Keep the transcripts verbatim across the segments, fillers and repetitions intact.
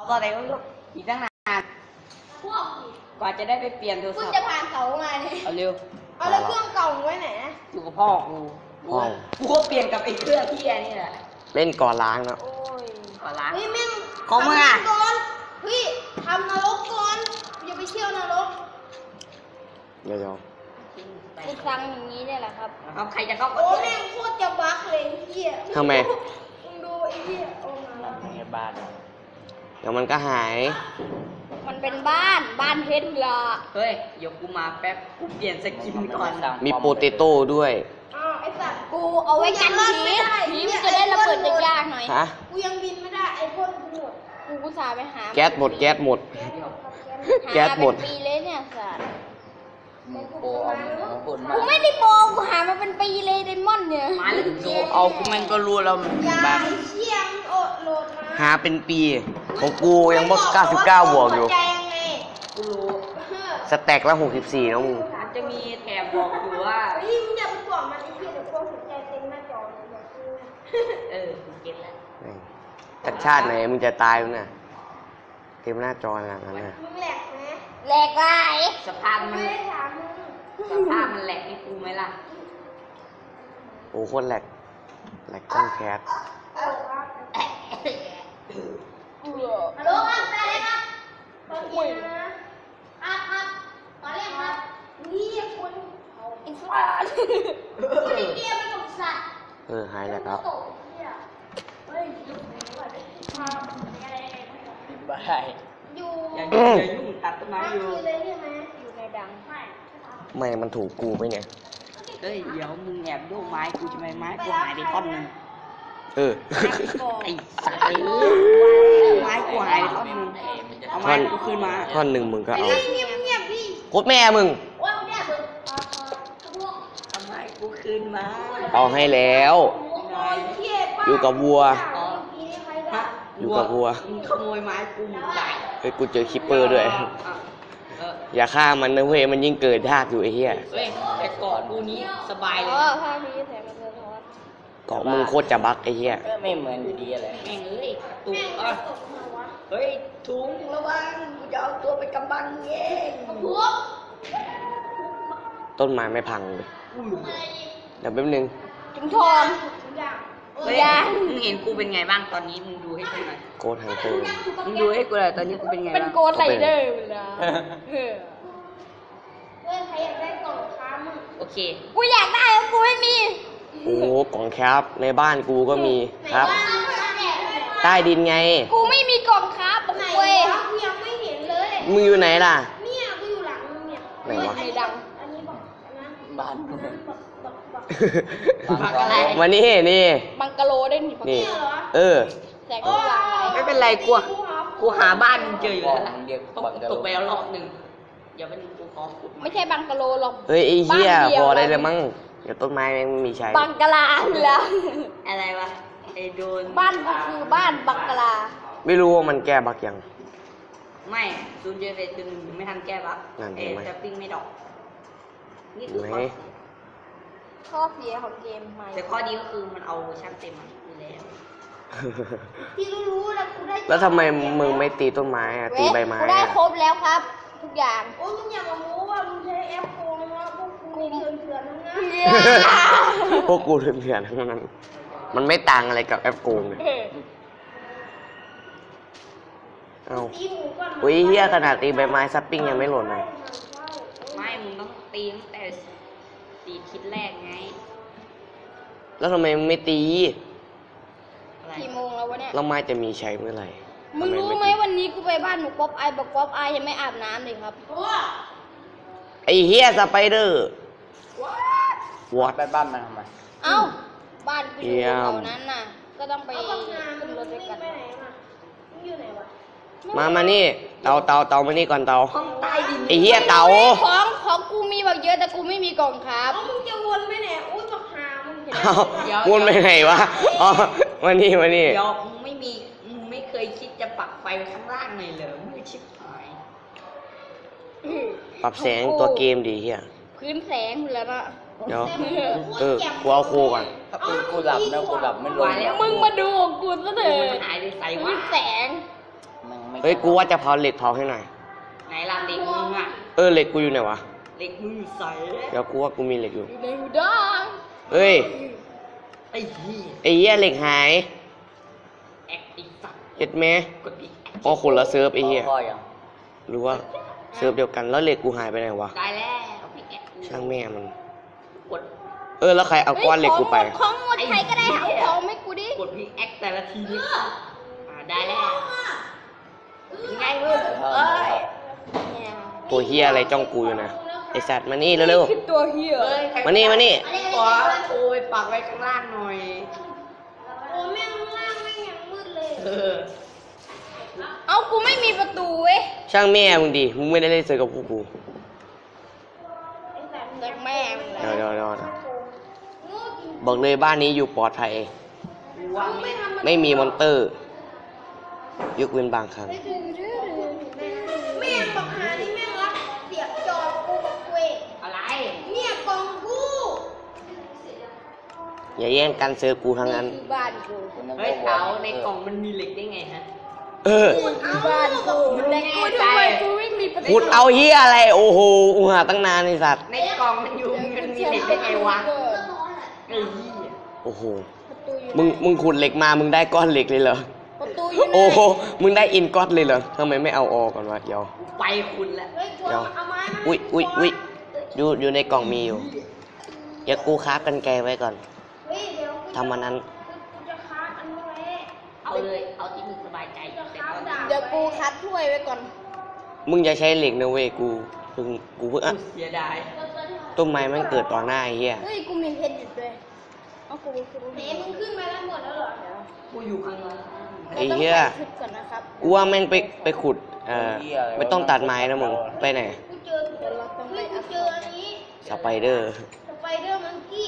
ตอนไหนก็อีกตั้งนานกว่าจะได้ไปเปลี่ยนโทรศัพท์คุณจะผ่านเสามาเนี่ยเอาเร็วเอาแล้วเครื่องเก่าไว้ไหนอยู่กับพ่อกูกูก็เปลี่ยนกับไอ้เครื่องที่แนี่แหละเล่นก่อนล้างเนาะโอ้ยก่อนล้างเฮ้ยแม่งของมึงอ่ะก่อนเฮ้ยทำนรกก่อนอย่าไปเที่ยวนรกเดี๋ยวทุกครั้งอย่างนี้เนี่ยแหละครับครับใครจะเข้าก็โอ้เที่ยวแม่งโคตรจะบั๊กเลยเหี้ยทำไมมึงดูไอ้เหี้ยโอ้มาในบ้านเดี๋ยวมันก็หายมันเป็นบ้านบ้านเพชรเหรอเฮ้ยเดี๋ยวกูมาแป๊บกูเปลี่ยนสกินก่อนมีโปเตโต้ด้วยอ้าวไอ้สัตว์กูเอาไว้กันผีผีมันจะได้ระเบิดยากๆหน่อยฮะกูยังบินไม่ได้ไอ้พ่นกูหมดกูกูสาไปหาแก๊สหมดแก๊สหมด แก๊สหมดหาเป็นปีเลยเนี่ยสัตว์โอ้เอาบนมากูไม่ได้โปกูหามาเป็นปีเลยไดมอนด์เนี่ยมาแล้วถึงโดเอากูมันก็รู้แล้วมันยาบ้ายเชี่ยงโอดโหลดมาหาเป็นปีของกูยังบอกเก้าสิบเก้าบวกอยู่หัวใจยังไงกูรู้สแต็กละหกสิบสี่นะมึงมันจะมีแถบบอกอยู่ว่าเฮ้ยมึงอย่าไปบอกมันไอ้เหี้ยเดี๋ยวพวกหัวใจเต็มหน้าจอเลยเดี๋ยวกูเออกูเก็ตแล้วจากชาติไหนมึงจะตายมึงน่ะเต็มหน้าจอขนาดนั้นน่ะมึงแหลกไหมแหลกไรสภาพมันไม่ได้ถามมึงสภาพมันแหลกให้กูไหมล่ะโอ้โคตรแหลกแหลกต้องแคสฮัลโหลครับแม่เลยครับตอนเย็นนะครับครับตอนแรกครับนี่คุณไอ้สัตว์คุณไอ้เดียมันกับสัตว์เออหายแล้วครับเฮ้ยอยู่ไหนวะพาอะไรบ้าอยู่อย่ายุ่งอย่ายุ่งตัดต้นไม้อยู่คือเลยใช่ไหมอยู่ในดังไม่ไม่มันถูกกูไหมเนี่ยเฮ้ยเดี๋ยวมึงแอบดูไม้กูจะไม่ไม้กูหายไปท่อนหนึงเออไอ้สัตว์ไม้กูหายไปท่อนหนึงเอาไม้กูคืนมาท่อนหนึ่งมึงก็เอาเงียบเงียบพี่โคตรแม่มึงว่ามึงเนี่ยเบิร์ดเอาไม้กูคืนมาเอาให้แล้ว อยู่กับวัวฮะอยู่กับวัวมึงขโมยไม้กูหมดได้เฮ้ยกูเจอคิปเปอร์ด้วยอ่ะเอออย่าฆ่ามันนะเว้ยมันยิ่งเกิดยากอยู่ไอ้เหี้ยเฮ้ยแต่เกาะกูนี้สบายเลยอ๋อนะภาพนี้แสงมันสะท้อนเกาะมึงโคตรจะบักไอ้เหี้ยก็ไม่เหมือนอยู่ดีอะไรแม่งเอ้ยกระตุกอ่ะเฮ้ยถุงระวังกูจะเอาตัวไปกำบังเองหัวต้นไม้ไม่พังเลยเดี๋ยวแป๊บนึงถึงทองเฮ้ยมึงเห็นกูเป็นไงบ้างตอนนี้มึงดูให้กูหน่อยโกดทางเติมมึงดูให้กูหน่อยตอนนี้กูเป็นไงเป็นบ้างโกดไรเดอร์เวลาเออเฮ้ยใครอยากได้กล่องค้ามึงโอเคกูอยากได้แล้วกูไม่มีโอ้โหกล่องแคปในบ้านกูก็มีครับ ใต้ดินไงกูไม่มีกล่องค้าบอกเว้ยกูยังไม่เห็นเลยมึงอยู่ไหนล่ะเนี่ยกูอยู่หลังมึงเนี่ยไหนวะในดังอันนี้บอกนะบ้านบักบักบักบักอะไรมานี่นี่บังกะโลได้หนิบังนี่เหรอเออแสงสว่างอะไรไม่เป็นไรกูอะกูหาบ้านมึงเจออยู่แล้วล่ะตกตกไปแล้วรอบหนึ่งเดี๋ยวเป็นกูขอขุดไม่ใช่บังกะโลหรอกเฮ้ยไอ้เหี้ยบ้านเดียวพอได้เลยมั้งเดี๋ยวต้นไม้แม่งไม่มีใช้บังกะลาแล้วอะไรวะไอ้โดนบ้านกูคือบ้านบังกะลาไม่รู้ว่ามันแก้บักยังไม่ซูนเจอเฟซตึงไม่ทันแก้บั๊กนั่นเห็เอ็นไหมจะปิ้งไม่ดอกนี่คือไหนข้อข้อเสียของเกมใหม่แต่ข้อดีก็คือมันเอาเวอร์ชันเต็มมาอยู่แล้วที่รู้ๆแล้วกูได้แล้วทำไมมึงไม่ตีต้นไม้อะตีใบไม้กูได้อะครบแล้วครับ ทุกอย่างโอ้ยมึงอย่ามาโม้ว่ามึงใช้แอปโกงนะพวกกูเถื่อนเถื่อนทั้งนั้นพวกกูเถื่อนๆทั้งนั้น มันไม่ต่างอะไรกับแอปโกงเลยเอาตีหมูก่อนอุ้ยเฮียขนาดตีใบไม้ซัปปิ้งยังไม่หล่นเลยไม่มึงต้องตีตั้งแต่ตีทิศแรกไงแล้วทำไมมึงไม่ตีอะไรกี่โมงแล้ววะเนี่ยแล้วไม้จะมีใช้เมื่อไหร่มึงทำรู้ไม่ไหมตีวันนี้กูไปบ้านหนูป๊อปไอบอกป๊อปไอยังไม่อาบน้ำเลยครับไอ้เฮียสไปเดอร์วอตไปบ้านมันทำไมเอ้า บ้านกูอยู่เยี่ยมแถวนั้นน่ะ ก็ต้องไปขึ้นรถด้วยกันมามานี่ เตาเตาเตามานี่ก่อนเตาห้องใต้ดินไอ้เฮียเตาของของกูมีแบบเยอะแต่กูไม่มีกล่องครับมึงจะวนไปไหนอุ้ยบักหามึงเห็นเอาวนไปไหนวะ อ๋อมานี่มานี่เดี๋ยวมึงไม่มีมึงไม่เคยคิดจะปักไฟข้างล่างเลยเหรอมึงชิบหายปรับแสงตัวเกมดีเฮียพื้นแสงอยู่แล้วนะเดี๋ยว เออกูเอาโคก่อนถ้าเป็นกูหลับนะกูหลับไม่ลงแล้วมึงมาดูของกูซะเถมัอะนหายไปใส่พื้วะนแสงมึงไม่เฮ้ย กูว่าจะเผาเหล็กเผาให้หน่อยไหนล่ะเหล็กมึงอ่ะเออเหล็กกูอยู่ไหนวะเหล็กมึงอยู่ใส่เดี๋ยวกูว่ากูมีเหล็กอยู่อยู่ในหูดังเฮ้ยไอ้เหี้ยไอ้เหี้ยเหล็กหายแอคไอ้สัตว์เห็ดไหมกดอีกอ๋อคนละเซิร์ฟไอ้เหี้ยพอยังหรือว่าเซิร์ฟเดียวกันแล้วเหล็กกูหายไปไหนวะได้แล้วพี่แอคช่างแม่มันกดเออแล้วใครเอาก้อนเหล็กกูไปของหมดใครก็ได้เอาของไม่กูดิกดพี่แอคแต่ละทีนี่อ่าได้แล้วยังไงมึงเอ้ยตัวเฮียอะไรจ้องกูอยู่นะ ไอสัตว์มานี่เร็วคือตัวเฮียเอ้ยใครๆ มานี่มานี่ขอโอ้ยปักไว้ข้างล่างหน่อยโอ้แม่งข้างล่างแม่งยังมืดเลยเออเอากูไม่มีประตูเว้ยช่างแม่มึงดิ มึงไม่ได้เล่นเซิร์ฟกับพวกกูเด็กแม่มึงเลเดี๋ยวย เดี๋ยวเดี๋ยวบอกเลยบ้านนี้อยู่ปลอดภัยว่างไม่มีมอนเตอร์ ยกเว้นบางครั้งแม่งบอกหานี่แม่งรับเสียบจอกูกับกูเองอะไรเนี่ยกล่องกูอย่าแย่งกันเซิร์ฟกูทั้งนั้นคือบ้านกูเฮ้ยเต๋าในกล่องมันมีเหล็กได้ไงฮะเออบ้านกูแต่กูทำไมกูไม่มีประตูขุดเอาเฮียอะไร โอ้โหอูหาตั้งนานไอสัตว์ในกล่องมันอยู่มันมีเหล็กได้ไงวะไอ้เหี้ยโอ้โหประตูอยู่มึง มึงขุดเหล็กมา มึงได้ก้อนเหล็กเลยเหรอประตูอยู่ไหนโอ้โห มึงได้อินก้อนเลยเหรอทำไมไม่เอาออกก่อนวะเดี๋ยวไปคุณละเฮ้ยกูเดี๋ยวเอาไม้มาอุ้ยอุ้ยอุ้ยอยู่อยู่ในกล่องมีอยู่ เดี๋ยวกูคราฟกันไกลไว้ก่อนเฮ้ยเดี๋ยวกูทำมันนั้นกูจะค้าอันนี้ไว้เอาเลย เอาที่มึงสบายใจแต่ตอนนี้เดี๋ยวกูคัดถ้วยไว้ก่อนมึงอย่าใช้เหล็กนะเว้ย กูเพิ่งกูเพิ่งอ่ะกูเสียดายต้นไม้มันเกิดต่อหน้าไอ้เหี้ยเฮ้ยกูมีเพชรอยู่ด้วยเอากูคือเฮ้ยมึงขึ้นมาแล้วหมดแล้วเหรอกูอยู่ข้างล่างไอ้เหี้ยราต้องใส่ชุดก่อนนะครับกูว่าแม่งไปไปขุด เอ่อ ไม่ต้องตัดไม้นะมึง ไปไหนกูเจอเดี๋ยวเราต้องไปกูเจออันนี้สไปเดอร์สไปเดอร์มังกี้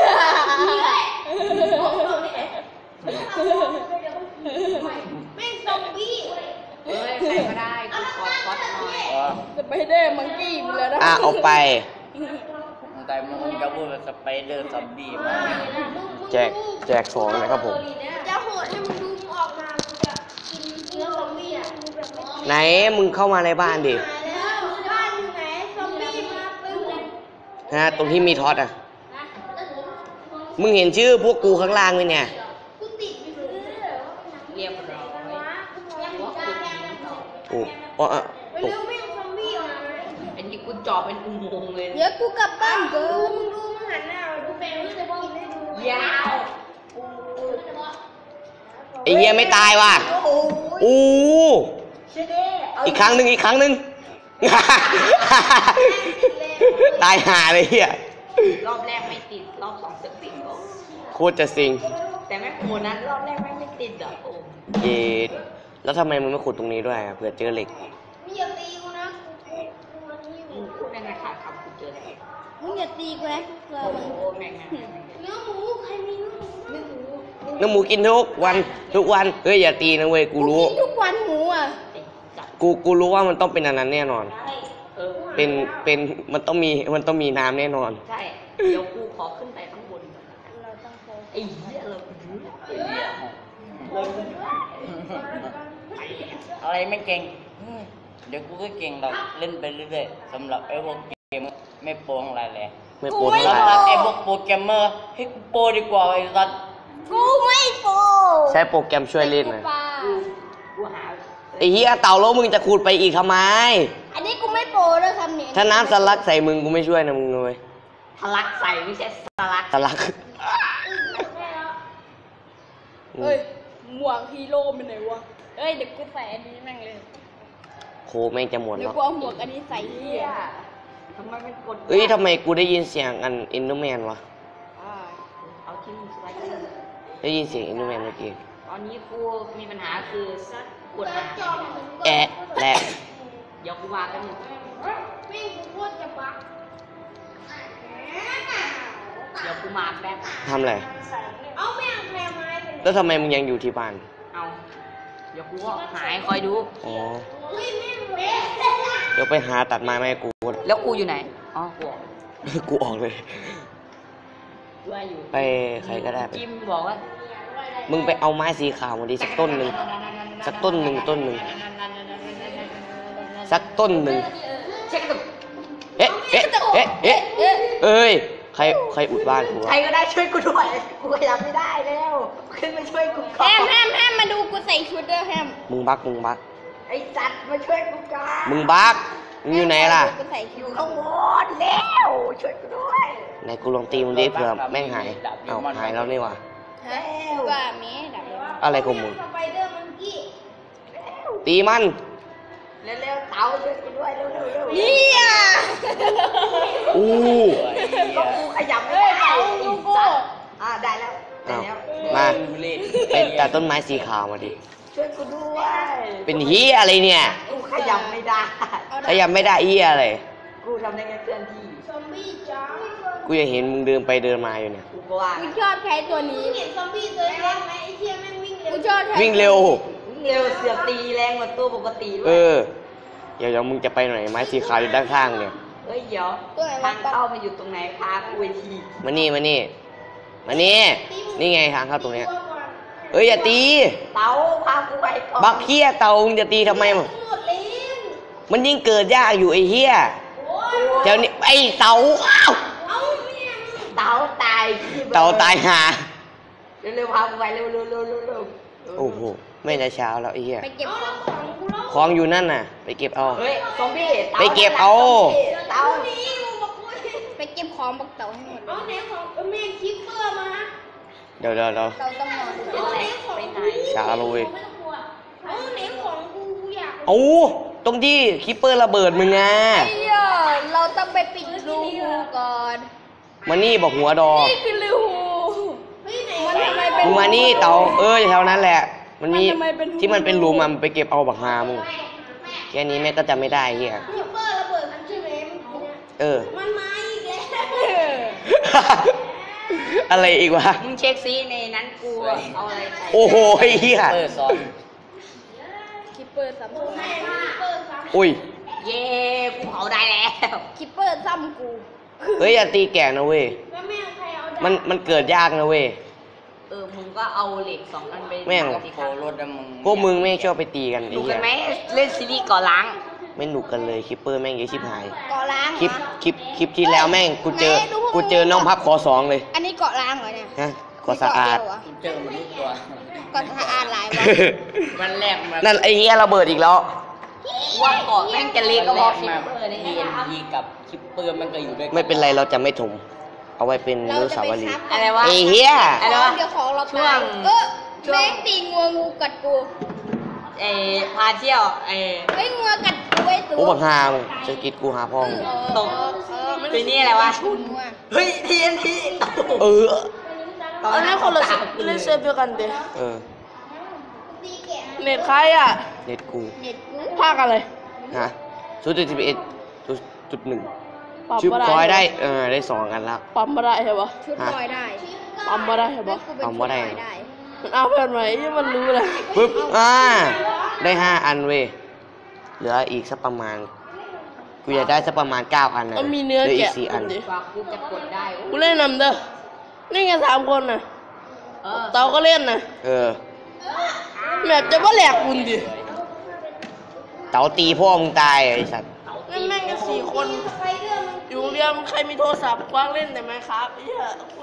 แม่งซอมบี้เฮ้ยใครก็ได้กูขอคอสหน่อยสไปเดอร์มังกี้ไปเลยนะอ่ะเอาไปแต่มึงจะพูดเป็นสไปเดอร์ซอมบี้มาแจก แจกของนะครับผมจะโหดให้มึงดูมึงออกมามึงจะกินเนื้อซอมบี้อ่ะมึงแบบไม่ไหน มึงเข้ามาในบ้านดิหายแล้วบ้านอยู่ไหนซอมบี้มาไปหมดฮะ ตรงที่มีท็อตอ่ะ มึงเห็นชื่อพวกกูข้างล่างไหมเนี่ยกูติดอยู่เลยเรียบร้อยว้ากูว่ากูจะแกงต่อกูอ๋ออ่ะไปตกเร็วแม่งซอมบี้ออกมาอันนี้กูเจาะเป็นอุโมงค์เลยเดี๋ยวกูกลับบ้านเกินมึงดูมึงหันหน้ามาดูแฟนมึงจะกินให้ดูยาวไอ้เหี้ยไม่ตายว่ะโอ้ยอู้เชเด้เอาอีกครั้งหนึ่งอีกครั้งหนึ่ง ตายห่าเลยเหี้ยรอบแรกไม่ติด รอบสองจะติดโอ้โคตรจะซิงแต่แม่งโหนั้นรอบแรกแม่งไม่ติดอ่ะโอ้เย็ดแล้วทำไมมึงไม่ขุดตรงนี้ด้วยอ่ะเผื่อเจอเหล็กมึงอย่าตีกูนะกูกูกูนี่อมึยู่งพูดได้ไงค่ะครับกูเจอแล้วมึงอย่าตีกูนะกูกลัวโอ้มึงโหแม่งแม่งแม่งแม่งเนื้อหมูใครมีเนื้อหมูเนื้อหมูน้ำหมูกินทุกวันทุกวันเฮ้ยอย่าตีนะเว้ยกูรู้กินทุกวันหมูอ่ะไอ้จัดกูกูรู้ว่ามันต้องเป็นอันนั้นแน่นอนเออเป็นเป็นมันต้องมีมันต้องมีน้ำแน่นอนใช่ เดี๋ยวกูขอขึ้นไปข้างบนก่อนนะเราต้องใช้ไอ้เหี้ยเราไปดูไอ้เหี้ยเราไปดูไปเนี่ยอะไรไม่เก่งอืมเดี๋ยวกูก็เก่งหรอกเล่นไปเรื่อยๆสำหรับไอ้พวกเกมไม่โปรอะไรเลยไม่โปรเท่าไหร่สำหรับไอ้พวกโปรแกรมเมอร์ให้กูโปรดีกว่าไอ้สัสกูไม่โปใช้โปรแกรมช่วยเล่นนะปลากูกูหาไอ้เหี้ยเต่าแล้วมึงจะขุดไปอีกทำไมอันนี้กูไม่โปรด้วยคำนี้ถ้าน้ำสลักใส่มึงกูไม่ช่วยนะมึงเลยทะลักใส่ไม่ใช่สลักสลักเฮ้ยหมวกฮีโร่เป็นไหนวะเฮ้ยเดี๋ยวกูใส่อันนี้แม่งเลยโคแม่งจะหมดเดี๋ยวแล้วกูเอาหมวกอันนี้ใส่เหี้ยทำไมมันกดเอ้ยทำไมกูได้ยินเสียงอันอินโดแมนวะอ่าเอาที่มึงสไลด์เลยได้ยินเสียงอินโดแมนเมื่อกี้ตอนนี้กูมีปัญหาคือกดหาแอะแหละเดี๋ยวกูมากันหนึ่งวิ่งกูโคตรจะบักเดี๋ยวกูมาแป๊บทำอะไรเอาแม่งแพรไม้ไปไหนแล้วทำไมมึงยังอยู่ที่บ้านเอาเดี๋ยวกูก็หายคอยดูอ๋อเฮ้ยแม่งเละเดี๋ยวไปหาตัดไม้มาให้กูแล้วกูอยู่ไหน อ๋อ กูออกกูออกเลยว่าอยู่ไปใครก็ได้ไปจิมบอกว่ามึงไปเอาไม้สีขาวมาดิสักต้นหนึ่งนสักต้นหนึ่งต้นหนึ่งสักต้นหนึ่งเช็คกับเอ๊ะเอ๊ะเอ๊ะเอ๊ะเอ้ยใครใครอุดบ้านกูใครวะก็ได้ช่วยกูด้วยกูขยับไม่ได้แล้วขึ้นมาช่วยกูก่อแฮนมแฮมแฮมมาดูกูใส่ชุดด้วยแฮมมึงบักมึงบักไอ้สัตว์มาช่วยกูก่อนมึงบักมึงอยู่ไหนล่ะกูใส่อชุยู่ดข้างบนแล้วช่วยกูด้วยไหนกูลองตีมึงดิเผื่อแม่งหายเอาหายแล้วนี่หว่าฮะว่ามีดับเลยอะไรของมึงสไปเดอร์มังกี้ตีมันเร็วๆเต๋าช่วยกูด้วยเร็วๆเร็วๆเฮียอู้ก็กูขยับไม่ได้เฮ้ยเต๋าดูกูอ่าได้แล้วได้เอาแล้วมาเป็นแต่ต้นไม้สีขาวมาดิช่วยกูด้วยเป็นเฮียอะไรเนี่ยกูขยับไม่ได้ถ้ายังไม่ได้เฮียอะไรกูทำได้แค่เคลื่อนที่ซอมบี้จ้ากูยังเห็นมึงเดินไปเดินมาอยู่เนี่ยกูก็ว่ากูชอบใช้ตัวนี้เห็นซอมบี้ตัวเล็กไหมไอ้เชี่ยแม่งวิ่งเร็วกูชอบใช้วิ่งเร็วเร็วเสือกตีแรงกว่าตัวปกติด้วเอย อเดี๋ยวเดี๋ยวมึงจะไปไหนไม้สีขาวอยู่ด้านข้างเนี่ยเฮ้ยเดี๋ยวทางเข้ามาอยู่ตรงไหนพากูไปทีมานี่มานี่มานี่นี่ไงทางเข้าตรงเนี้ยเอ้ยอย่าตีเต๋าพากูไปก่อนบักเฮียเต่ามึงจะตีทำไมมึงหมดเลยมันยิ่งเกิดยากอยู่ไอ้เฮียเดี๋ยวนี้ไอ้เต่าอ้าวเอ้าเนี่ยเต๋าตายพี่บิร์ดเต่าตายหาเร็วๆพากูไปเร็วๆเร็วๆเร็วๆเร็วๆโอ้โหไม่จะเช้าแล้วไอ้เฮียไปเก็บของของกูแล้วของอยู่นั่นน่ะ ไปเก็บเอาเฮ้ยซอมบี้ต๋าไปเก็บเอาเต๋านี่มึงบอกกูไปเก็บของบักเต่าให้หมดเอาไหนของเออแม่งคิปเปอร์มาเดี๋ยวเดี๋ยวเดี๋ยวเต่าต้องนอนเป็นไรไปไหนช้าเลยเอาไหนของกูกูอยากเอาตรงที่คิปเปอร์ระเบิดมึงอ่ะไอ้เหี้ยเราต้องไปปิดรูหูก่อนมานี่บอกหัวดอนี่คือรูหูมันทำไมเป็นมึงมานี่เต่าเออแถวนั้นแหละ มันมีมันทำไมเป็นที่มันเป็นรูมอะมันไปเก็บเอาบักฮามึงแค่นี้แม่ก็จะไม่ได้เฮียคิปเปอร์ระเบิดมันใช่ไหมเมื่อกี้เนี่ยเออมันมาอีกแล้วอะไรอีกวะมึงเช็คซิในนั้นกูเอาอะไรใส่โอ้โหไอ้เฮียเปิดซ้อนคิปเปอร์ซ้ำกูไม่คิปเปอร์ซ้ำอุ้ยเย้กูเผาได้แล้วคิปเปอร์ซ้ำกูเฮ้ยอย่าตีแก่นะเว้ยแล้วแม่งใครเอามันมันเกิดยากนะเว้ยเออมึงก็เอาเหล็กสองอันไปแม่งสิโคครับรถอะมึงพวกมึงไม่ชอบไปตีกันไอ้ดูเหี้กัยนไหมเล่นซีรีส์ก่อล้างไม่หนุกกันเลยคิปเปอร์แม่งเยอะชิบหายเกาะล้างคลิปเหรอคลิปคลิปที่แล้วแม่งกูเจอไหนดูพวกกูเจอน้องพับขอสองเลยอันนี้เกาะล้างเหรอเนี่ยฮะก็สะอาดกูเจอมันทุกตัวเกาะสะอาดหลายวะมันแรกมานั่นไอ้เหี้ยระเบิดอีกแล้วว่าเกาะแม่งจะเล็กก็พอคิมาปเปอร์นี่ทีเอ็นทีกับคิปเปอร์มันก็อยู่ด้วยกัไม่เป็นไรเราจะไม่ถม เอาไว้เป็นเรานุจะสาไปวรีซับย์กัอะไรนวะไอ้เหี้ยอะไรวะเดี๋ยวของเราช่วตายงเออช่วงแม่งตีงัวงูกัดกูเออพาเที่ยวเออเฮ้ยงัวกัดกูไอ้ตัวโอ้บังฮามจะกิดกูหาพ่อมึงตก ตัวนี้อะไรวะชุนงัวเฮ้ยทีเอ็นทีเออตอนนั้นคนละสิบเล่นเซิร์ฟเดียวกันเดเออตีแกะเน็ตใครอ่ะเน็ตกูเน็ตกูภาคอะไรฮะศูนย์จุดสิบเอ็ดจุดหนึ่งปั๊มชิปมาได้คอยได้เออได้สองกันแล้วปั๊มมาได้ใช่ปะชุดลอยได้ปั๊มมาได้ใช่ปะกูเป็นปั๊มชุบ่ดได้ลอยได้มันเอาเพื่อนไหมที่มันรู้เลยปึ๊บอ่าได้ห้าอันเว้ยเหลืออีกสักประมาณกูอยากได้สักประมาณเก้าอันนะมันมีเนื้อหลือีแกะกสี่อันดิกว่ากูจะกดได้กูเล่นนำเด้อนี่ไงสามคนน่ะเออเตาก็เล่นนะเออแมปจะว่าแหลกคุณดิเต๋าตีพ่อมึงตายไอ้สัตว์นั่นแม่งกันสี่คนใครเรื่องมันอยู่โรงเรียนใครมีโทรศัพท์กว้างเล่นแต่ไหมครับไอ้เหี้ยคุณ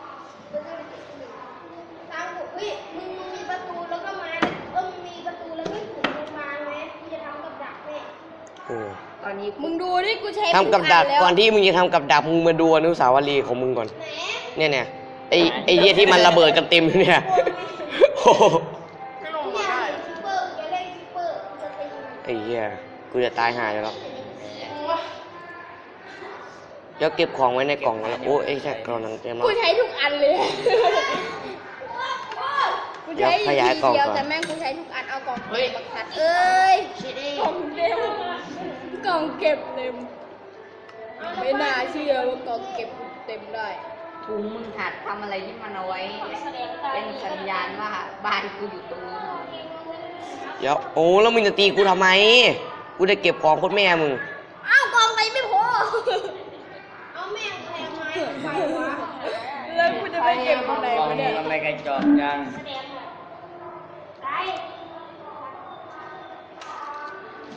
ตามกูเฮ้ยมึงมีประตูแล้วก็ไม้เออมึงมีประตูแล้วก็ถุงลงมาไหมกูจะทำกับดักแม่เออตอนนี้มึงดูดิกูใช้ทำกับดักทุก่อนแล้วที่มึงจะทำกับดักมึงมาดูอนุสาวรีย์ของมึงก่อนไหนเนี่ยเนี่ยไอ้ไอ้เหี้ยที่มันระเบิดกันเต็มอยู่เนี่ยโอ้โหไม่ลงเนี่มาย ได้คิปเปอร์จะเล่นคิปเปอร์จะตีมันไอ้เหี้ยกูจะตายหาอยู่แล้วเดี๋ยวเก็บของไว้ในกล่องแล้วโอ้ไอ้แค่กล่องนั้นเต็มแล้วกูใช้ทุกอันเลยกูใช้เดี๋ยวขยายกล่องเดียวก่อนแต่แม่งกูใช้ทุกอันเอากล่องเก็บบักสัตว์เอ้ยกล่องเต็มกล่องเก็บเต็มไม่น่าเชื่อว่ากล่องเก็บเต็มได้ถุงมึงหัดทำอะไรที่มันเอาไว้ เป็นสัญญาณว่าบ้านกูอยู่ตรงนี้เดี๋ยวโอ้แล้วมึงจะตีกูทำไม กูจะเก็บของโคตรแม่มึงอ้าวกล่องไหนไม่พอเอาแม่งแทงไม้ไปวะแล้วกูจะไปเก็บตรงไหนกองวะเนี่ยมันไม่กระจอกจังได้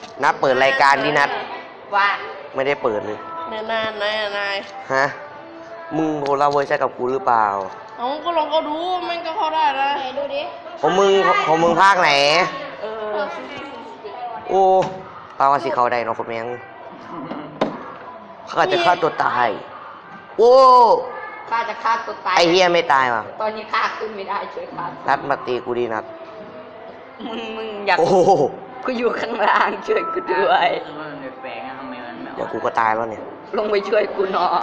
นัดเปิดรายการดินัดว่าไม่ได้เปิดเลยนายนายนายนายฮะ มึงโคลาเวอร์ใช่กับกูหรือเปล่าเอาก็ลองก็ดูมันก็เข้าได้นะไหนดูดิของมึงของมึงภาคไหนเออโอ้ปลาว่าสิเขาได้เนาะคุณแมงเขาอาจจะฆ่าตัวตาย โอ้ข้าจะฆ่าตัวตายไอเฮียไม่ตายว่ะตอนนี้ข้าขึ้นไม่ได้ช่วยข้านัดมาตีกูดีนัดมึงมึงอยากโอ้โหกูอยู่ข้างล่างช่วยกูด้วยคือมันแปลกๆนะทำไมมันไม่อเดี๋อยวกกูก็ตายแล้วเนี่ยลงไปช่วยกูหน่อย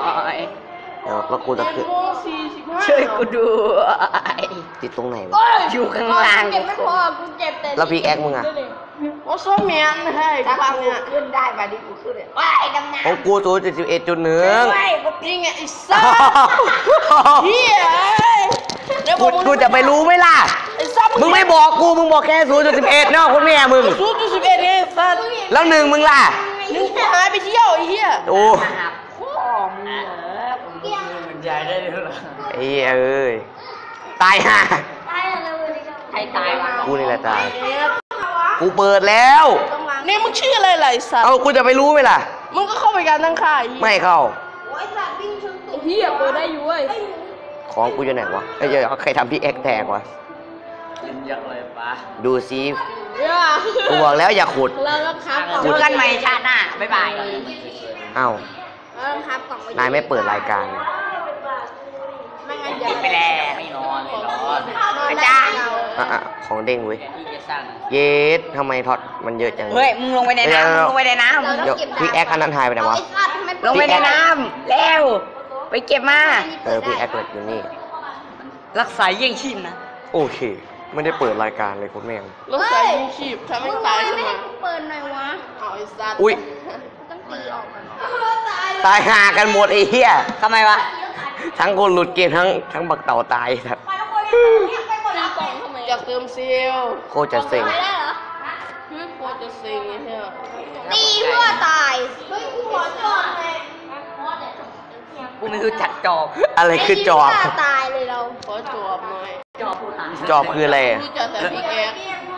เดี๋ยวแล้วกูจะเจ็ขึ้ดนโมงสี่สิบห้าช่วยกูด้วยติดตรงไหนวะอยู่ข้างล่างเจ็บไม่พอกูเจ็บแต่แล้วพี่แอ๊กมึงอะโอ้ส้มเมียนให้ถ้าฟังกูเนี่ยขึ้นได้มาดิกูขึ้นเลยว้ายดำน้ของกูศูนย์จุดสิบเอ็ดจุดหนึ่งำว้ายกูนี่ไงไอ้ซ่าเฮียเดี๋ยวบกูอกมึงกูจะไปรู้ไหมล่ะไอ้ซ่ามึงไม่บอกกู มึงบอกแค่ศูนย์จุดสิบเอ็ดเนาะคุณแม่มึงศูนย์จุดสิบเอ็ดเองสัตว์แล้วหนึ่งมึงล่ะนึกกูหายไปเที่ยวไอ้เหี้ยโอ้หาพ่อมึงเหรอมันใจได้ด้วยเหรอไอ้เหี้ยเอ้ย ตายห่าตายแล้วเลยใครตายวะกูนี่แหละตาย กูเปิดแล้วเนี่ยมึงชื่ออะไรล่ะไอ้สัตว์เอากูจะไปรู้ไหมล่ะมึงก็เข้าไปการตั้งค่าไอ้เหี้ยไม่เข้าโอ้ยสัตว์วิ่งชนตุ่มเหี้ยเปิดได้อยู่เว้ยของกูอยู่ไหนวะไอ้เหี้ยใครทำพี่แอ็กแตกวะลิ้นยักษ์เลยปะดูซิอย่ากูบอกแล้วอย่าขุดเราต้องครับกล่องเจอกันใหม่ชาติหน้า บ๊ายบายเอ้าเราต้องครับกล่องไว้นายไม่เปิดรายการไม่งั้นจะไปแล้วไม่นอนเลยนอนอาจารย์อ่ะอ่ะของเด้งเว้ยแทนที่จะสร้างหนังเยสทำไมถอดมันเยอะจังเฮ้ย มึงลงไปในน้ำมึงลงไปในน้เดี๋ยวพี่แอ็กอันนั้นหายไปไหนวะไอ้สัตว์ทำไมำลงไปในน้ำเร็ว ไปเก็บมาเออพี่แอ็กเปิดอยู่นี่รักษาเยี่ยงชีพนะโอเค ไม่ได้เปิดรายการเลยคุณแม่งรถสายยิงขีบถ้าไม่ตายขึ้นไม่มาให้กูเปิดหน่อยวะเอาไอ้สัตว์อุ้ยต้องตีออกก่อนตายห่ากันหมดไอ้เหี้ยทำไมวะทั้งคนหลุดเกมทั้งทั้งบักเต่าตายครับอยากเติมเซลลโคตรจะเซ็งไม่ได้เหรอโคตรจะเซ็งไอ้เหี้ยตีเพื่อตาย เฮ้ยกูขอจอดเลยกูไม่รู้จักจอบอะไรคือจอบตีเพื่ตายเลยเราขอจอบหน่อยจอบผู้หาจอบคืออะไรรู้จักแต่พี่แอ๊ก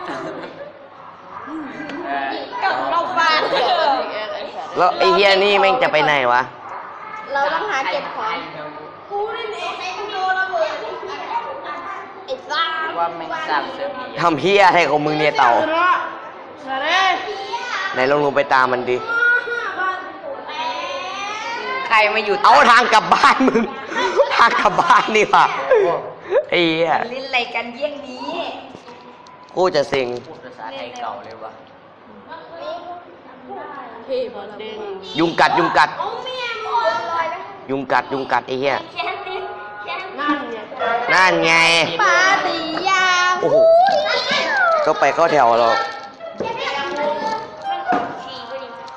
เออกับเราฟาดรู้จักแต่พี่แอ๊กไอ้สัตว์แล้วไอ้เฮียนี่แม่งจะไปไหนวะเราต้องหาเก็บของกูนี่เองไอ้กูโดนระเบิดไอ้ซ่าว่าแม่งสร้างเสริมอีกทำเฮียอะไรของมึงเนี่ยเต่าชนะชนะไหนลองลงไปตามมันดิใครมาอยู่เอาทางกลับบ้านมึง ทางกลับบ้านนี่ว่ะไอ้เหี้ยลิ้นอะไรกันเยี่ยงนี้โคตรจะเซ็งพูดภาษาไทยเก่าเลยวะเท่บอลเด้งยุงกัดยุงกัดเอาเมียหมดเลยนะยุงกัดยุงกัดไอ้เหี้ยแค่นี้แค่นี้นั่นไงนั่นไงปาตียาโอ้โห ก็ไปเข้าแถวเรา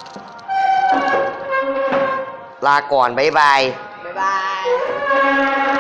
ลาก่อน บ๊ายบายบ๊ายบาย